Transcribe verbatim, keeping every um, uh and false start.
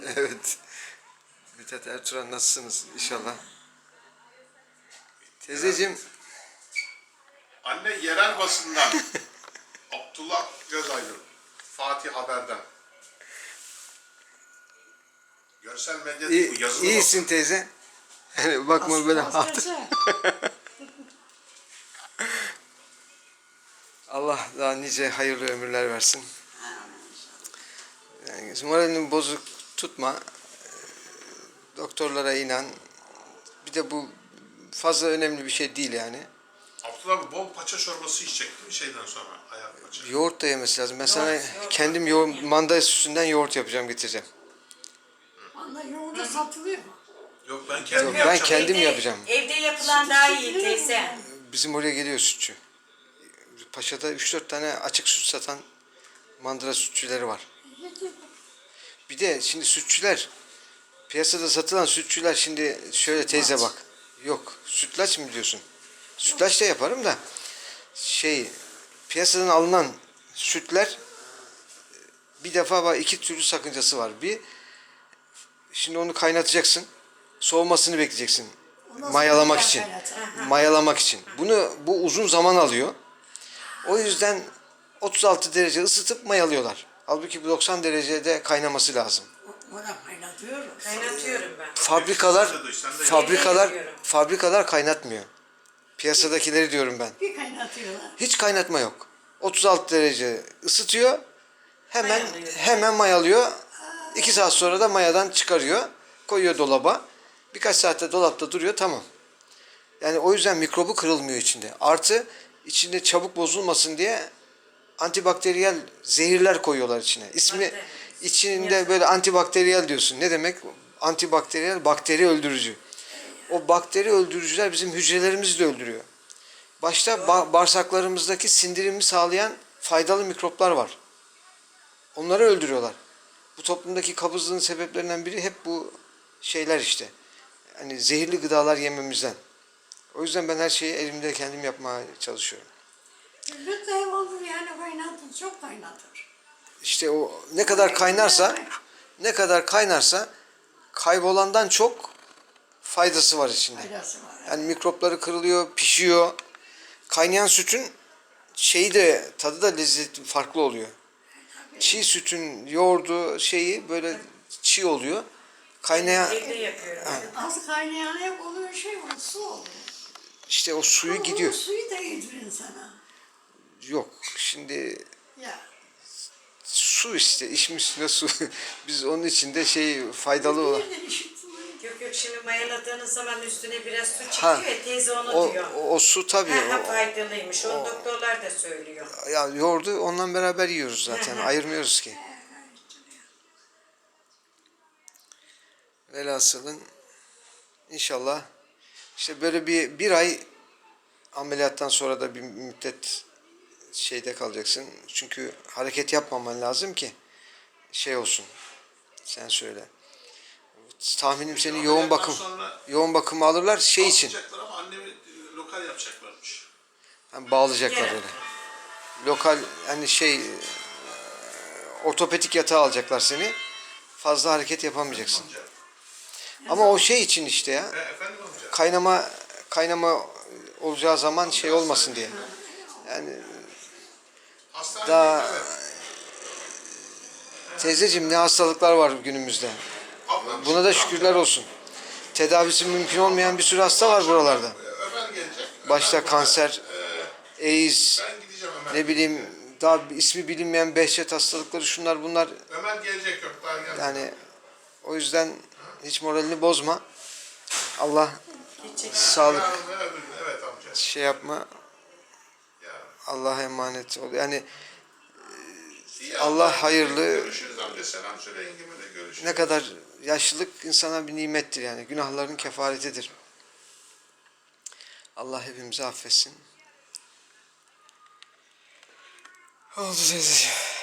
Evet. Mithat Ertuğrul nasılsınız inşallah? Teyzeciğim. Anne yerel basından. Abdullah Cezayir. Fatih Haber'den. Görsel medya İyi, bu yazılı iyisin basın. teyze. Yani bakma böyle hat. Allah daha nice hayırlı ömürler versin. Yani moralini bozuk tutma. Doktorlara inan. Bir de bu fazla önemli bir şey değil yani. Abdullah abi bol paça çorbası içecektim şeyden sonra. Ayak paça. Yoğurt da yemesi lazım. Ben sana Yoğurt, yoğurt. kendim yoğurt, manda sütünden yoğurt yapacağım, getireceğim. Valla yoğurda satılıyor mu? Yok ben kendim Yok, ben yapacağım. kendim evde, yapacağım. Evde yapılan daha iyi teyze. Bizim oraya geliyor sütçü. Paşa'da üç dört tane açık süt satan mandıra sütçüleri var. Bir de şimdi sütçüler, piyasada satılan sütçüler, şimdi şöyle teyze bak. Yok, sütlaç mı diyorsun? Sütlaç da yaparım da şey, piyasadan alınan sütler bir defa var, iki türlü sakıncası var. Bir, şimdi onu kaynatacaksın. Soğumasını bekleyeceksin. Mayalamak için. Mayalamak için. Bunu bu uzun zaman alıyor. O yüzden otuz altı derece ısıtıp mayalıyorlar. Halbuki bu doksan derecede kaynaması lazım. Ona kaynatıyoruz. Kaynatıyorum ben. Fabrikalar fabrikalar Evde yapıyorum. fabrikalar kaynatmıyor. Piyasadakileri diyorum ben. Bir kaynatıyorlar. Hiç kaynatma yok. otuz altı derece ısıtıyor. Hemen Mayalıyor. hemen mayalıyor. iki saat sonra da mayadan çıkarıyor. Koyuyor dolaba. Birkaç saatte dolapta duruyor, tamam. Yani o yüzden mikrobu kırılmıyor içinde. Artı içinde çabuk bozulmasın diye antibakteriyel zehirler koyuyorlar içine. İsmi Bakteri. içinde böyle antibakteriyel diyorsun. Ne demek? Antibakteriyel, bakteri öldürücü. O bakteri öldürücüler bizim hücrelerimizi de öldürüyor. Başta ba- bağırsaklarımızdaki sindirimi sağlayan faydalı mikroplar var. Onları öldürüyorlar. Bu toplumdaki kabızlığın sebeplerinden biri hep bu şeyler işte. Hani zehirli gıdalar yememizden. O yüzden ben her şeyi elimde kendim yapmaya çalışıyorum. Lütfen ev olur yani kaynatır. Çok kaynatır. İşte o ne kadar kaynarsa, ne kadar kaynarsa kaybolandan çok faydası var içinde. Faydası var. Yani mikropları kırılıyor, pişiyor. Kaynayan sütün şeyi de, tadı da lezzeti farklı oluyor. Çiğ sütün yoğurdu şeyi böyle çiğ oluyor. Kaynayan Evde yapıyorum. Az kaynayan hep oluyor şey var. Su oluyor. işte o suyu Ama gidiyor. bu suyu da yedirir insana. Yok şimdi Ya. su işte, içmiş üstüne su. Biz onun içinde şey faydalı olan. Bir de işitmiyor. Yok yok, şimdi mayaladığınız zaman üstüne biraz su Ha, çıkıyor ya, teyze onu O, diyor. o, o su tabii. Ha, ha, O, faydalıymış. Onu doktorlar da söylüyor. ya yoğurdu ondan beraber yiyoruz zaten. Hı hı. Ayırmıyoruz ki. Velhasılın inşallah işte böyle bir bir ay ameliyattan sonra da bir müddet şeyde kalacaksın. Çünkü hareket yapmaman lazım ki şey olsun. Sen söyle. Tahminim seni yoğun bakım Sonra yoğun bakıma alırlar şey için. alacaklar ama annemi e, lokal yapacaklarmış. Yani bağlayacaklar Gene. öyle. Lokal hani şey e, ortopedik yatağa alacaklar seni. Fazla hareket yapamayacaksın. Amca. Ama o şey için işte ya. E, efendim amca. Kaynama kaynama olacağı zaman şey olmasın diye. Yani Hastanede daha evet. teyzeciğim ne hastalıklar var günümüzde. Ablam Buna da şükürler olsun. Tedavisi mümkün olmayan bir sürü hasta var buralarda. e, Ömer gelecek. Başta Ömer kanser, burada. E, AIDS, ben gideceğim Ömer. ne bileyim daha ismi bilinmeyen Behçet hastalıkları, şunlar bunlar. Ömer gelecek, yok daha gelmedi. Yani o yüzden hiç moralini bozma. Allah sağlık Yarın ve öbür gün, evet amca. şey yapma. Ya. Allah'a emanet ol. Yani İyi Allah amca, hayırlı. Görüşürüz amca. Selam söyle yengeme de görüşürüz. Ne kadar yaşlılık insana bir nimettir yani. Günahların kefaretidir. Allah hepimizi affetsin. Oldu teyzeciğim.